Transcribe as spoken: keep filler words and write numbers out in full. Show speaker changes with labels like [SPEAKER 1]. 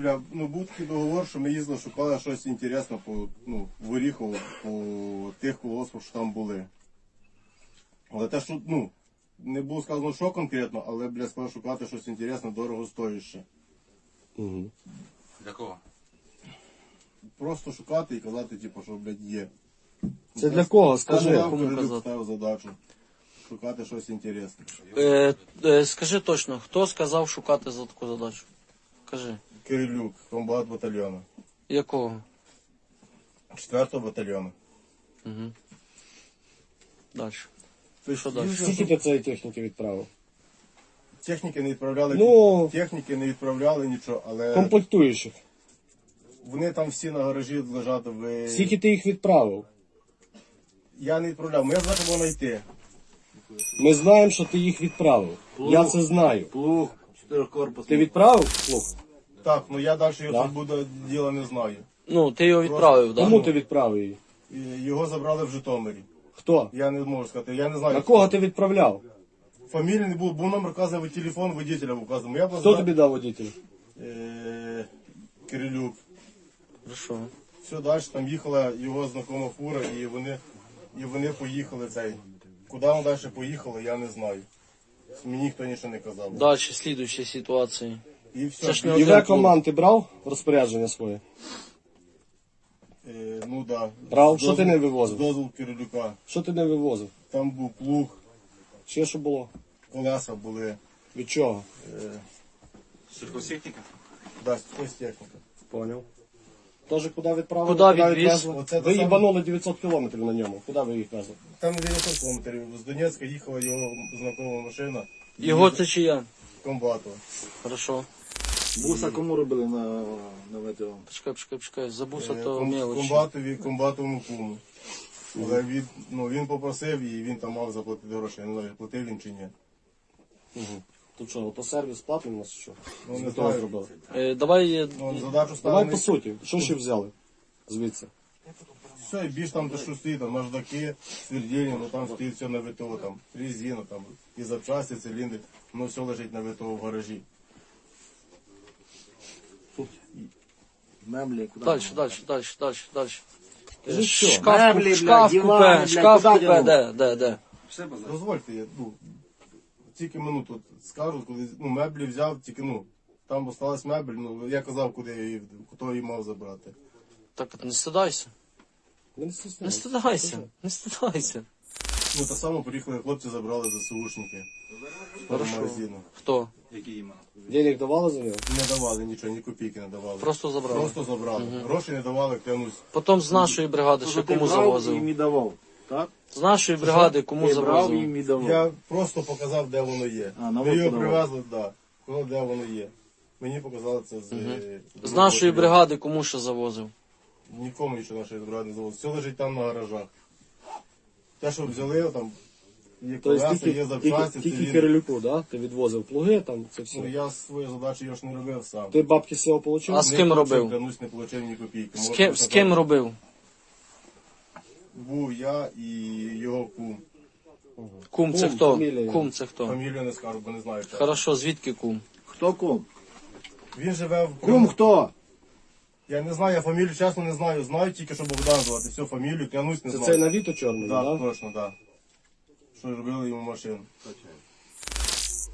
[SPEAKER 1] бля, ну був такий договор, що ми їздили, шукали щось інтересне по, ну, в Оріхово, по тих колгоспах, що там були. Але те, що, ну, не було сказано, що конкретно, але, бля, сказали шукати щось інтересне, дорого стоїще.
[SPEAKER 2] Угу.
[SPEAKER 3] Для кого?
[SPEAKER 1] Просто шукати і казати, типу, що, блядь, є.
[SPEAKER 2] Це для кого? Скажи.
[SPEAKER 1] Кому
[SPEAKER 4] кому казати?
[SPEAKER 1] ставив задачу. Шукати щось інтересне.
[SPEAKER 4] Е, е, скажи точно, хто сказав шукати за таку задачу? Кажи.
[SPEAKER 1] Кирилюк, комбат батальйону.
[SPEAKER 4] Якого?
[SPEAKER 1] Четвертого батальйону.
[SPEAKER 4] Угу. Далі.
[SPEAKER 1] Тобто,
[SPEAKER 4] Що далі?
[SPEAKER 1] їздили,
[SPEAKER 2] Скільки ти цієї техніки відправив?
[SPEAKER 1] техніки не відправляли,
[SPEAKER 2] Ну,
[SPEAKER 1] техніки не відправляли нічого, але
[SPEAKER 2] комплектуючих.
[SPEAKER 1] вони там всі на гаражі лежать. В...
[SPEAKER 2] Скільки ти їх відправив?
[SPEAKER 1] Я не відправляв, моя задача була знайти.
[SPEAKER 2] Ми знаємо, що ти їх відправив. Я це знаю.
[SPEAKER 3] Плуг, чотирикорпус.
[SPEAKER 2] Ти відправив? Плуг?
[SPEAKER 1] Так, ну я далі його
[SPEAKER 2] Да.
[SPEAKER 1] тут буде діла не знаю.
[SPEAKER 4] Ну, ти його відправив, так?
[SPEAKER 2] Кому
[SPEAKER 4] Да?
[SPEAKER 2] ти відправив її?
[SPEAKER 1] І його забрали в Житомирі.
[SPEAKER 2] Хто?
[SPEAKER 1] Я не можу сказати, я не знаю.
[SPEAKER 2] На кого ти відправляв?
[SPEAKER 1] Фамілії не було, був номер вказаний, телефон водителя вказаний. Я
[SPEAKER 2] Хто тобі дав водителя?
[SPEAKER 1] Е, Кирилюк.
[SPEAKER 4] Хорошо.
[SPEAKER 1] Все далі, там їхала його знакома фура, і вони, і вони поїхали цей. Куди вони далі поїхали, я не знаю. Мені ніхто нічого не казав.
[SPEAKER 4] Далі, слідуючі ситуації.
[SPEAKER 1] І все.
[SPEAKER 4] Це ж не
[SPEAKER 1] І-
[SPEAKER 4] один
[SPEAKER 2] І
[SPEAKER 4] плуг.
[SPEAKER 2] команд ти брав в розпорядження своє?
[SPEAKER 1] Е, ну да.
[SPEAKER 2] Брав?
[SPEAKER 1] З
[SPEAKER 2] Що ти
[SPEAKER 1] дозволу-
[SPEAKER 2] не вивозив?
[SPEAKER 1] З дозволу Кирилюка.
[SPEAKER 2] Що ти не вивозив?
[SPEAKER 1] Там був плуг,
[SPEAKER 2] Ще що було?
[SPEAKER 1] колеса були.
[SPEAKER 2] Від чого?
[SPEAKER 1] Е,
[SPEAKER 3] Сільхозтехніка?
[SPEAKER 1] да, якась техніка.
[SPEAKER 2] Поняв. Тоже куди відправили?
[SPEAKER 4] Куди відвіз?
[SPEAKER 2] відвезли?
[SPEAKER 1] Оце те
[SPEAKER 2] Ви
[SPEAKER 1] саме.
[SPEAKER 2] їбанули дев'ятсот кілометрів на ньому. Куди ви їх везли?
[SPEAKER 1] Там на дев'ятсот кілометрів. З Донецька їхала його знакома машина. І
[SPEAKER 4] Його
[SPEAKER 1] їздив
[SPEAKER 4] це чия?
[SPEAKER 1] комбату.
[SPEAKER 4] Хорошо.
[SPEAKER 3] Буса кому робили на, на ВТО?
[SPEAKER 4] Почекай, почекай, почекай. Забувся
[SPEAKER 1] Е,
[SPEAKER 4] то
[SPEAKER 1] ком-
[SPEAKER 4] мелочі.
[SPEAKER 1] комбатові, комбатовому куму. Але він, ну, він попросив і він там мав заплатити гроші. Я не знаю, платив він чи ні.
[SPEAKER 2] Угу. Тут що, автосервіс платний у нас чи що?
[SPEAKER 1] Ну,
[SPEAKER 2] З
[SPEAKER 1] не
[SPEAKER 2] того
[SPEAKER 1] знаю.
[SPEAKER 2] зробили.
[SPEAKER 4] Е, давай, е,
[SPEAKER 1] Ну, задачу
[SPEAKER 2] Давай
[SPEAKER 1] ставили.
[SPEAKER 2] по суті. Що ще взяли? Звідси.
[SPEAKER 1] Все, і більш там, де що стоїть, там наждаки, свердільні, ну там стоїть все на ВТО, там резина, там і запчасти, циліндри, ну все лежить на ВТО в гаражі.
[SPEAKER 3] Меблі, куди?
[SPEAKER 4] далі, далі, далі, далі, далі. Е,
[SPEAKER 2] Кажи, що?
[SPEAKER 4] Шкаф,
[SPEAKER 3] Меблі, бля,
[SPEAKER 4] шкаф
[SPEAKER 3] дивани,
[SPEAKER 4] купе,
[SPEAKER 3] бля,
[SPEAKER 4] шкаф
[SPEAKER 3] куди
[SPEAKER 4] купе,
[SPEAKER 3] тягнув?
[SPEAKER 4] де, де, де?
[SPEAKER 3] Все базар.
[SPEAKER 1] Дозвольте, я ну, тільки минуту скажу, коли ну, меблі взяв, тільки ну, там осталась мебель, ну я казав, куди я її, хто її мав забрати.
[SPEAKER 4] Так не стидайся.
[SPEAKER 2] Не
[SPEAKER 4] Не
[SPEAKER 2] стесняйся.
[SPEAKER 4] стидайся, не стидайся.
[SPEAKER 1] Ну так само приїхали хлопці, забрали ЗСУшники з магазину.
[SPEAKER 4] Хто?
[SPEAKER 3] Які імена?
[SPEAKER 2] Денег давали за нього?
[SPEAKER 1] Не давали нічого, ні копійки не давали.
[SPEAKER 4] Просто забрали.
[SPEAKER 1] Просто забрали. Гроші не давали, клянусь.
[SPEAKER 4] Потім з нашої бригади ще кому
[SPEAKER 3] їм
[SPEAKER 4] завозив.
[SPEAKER 3] і давав, так?
[SPEAKER 4] З нашої бригади кому
[SPEAKER 3] Ти брав
[SPEAKER 4] завозив.
[SPEAKER 3] їм і давав.
[SPEAKER 1] Я просто показав, де воно є.
[SPEAKER 3] А, на
[SPEAKER 1] Ми його
[SPEAKER 3] воду
[SPEAKER 1] привезли, так. Да, де воно є. Мені показали це з... е,
[SPEAKER 4] З нашої бригади кому ще завозив.
[SPEAKER 1] Нікому нічого нашої бригади не завозили. Все лежить там на гаражах. Те, що взяли, там є
[SPEAKER 2] Тобто
[SPEAKER 1] колеса,
[SPEAKER 2] тільки,
[SPEAKER 1] є запчасті,
[SPEAKER 2] тільки, тільки
[SPEAKER 1] циліндри.
[SPEAKER 2] Кирилюку, да? Ти відвозив плуги, там це
[SPEAKER 1] Ну,
[SPEAKER 2] все.
[SPEAKER 1] я свою задачу його ж не робив сам.
[SPEAKER 2] Ти бабки з цього отримав?
[SPEAKER 4] А з
[SPEAKER 1] Не
[SPEAKER 4] ким
[SPEAKER 1] получив,
[SPEAKER 4] робив?
[SPEAKER 1] Клянусь, не отримав ні копійки.
[SPEAKER 4] З
[SPEAKER 1] Можу
[SPEAKER 4] ким, з
[SPEAKER 1] сказати,
[SPEAKER 4] ким робив?
[SPEAKER 1] Був я і його кум.
[SPEAKER 4] Кум це
[SPEAKER 2] Кум,
[SPEAKER 4] хто?
[SPEAKER 2] фамілія.
[SPEAKER 4] Кум це хто?
[SPEAKER 1] Фамілію не скажу, бо не знаю. чесно.
[SPEAKER 4] Хорошо, звідки кум?
[SPEAKER 3] Хто кум?
[SPEAKER 1] Він живе в...
[SPEAKER 3] Кум хто?
[SPEAKER 1] Я не знаю, я фамілію чесно не знаю. Знаю тільки, що Богдан звати. Всю фамілію, клянусь, не
[SPEAKER 2] Це
[SPEAKER 1] знаю.
[SPEAKER 2] цей на Віто чорний,
[SPEAKER 1] Так,
[SPEAKER 2] да?
[SPEAKER 1] точно, так. Що робили йому машину.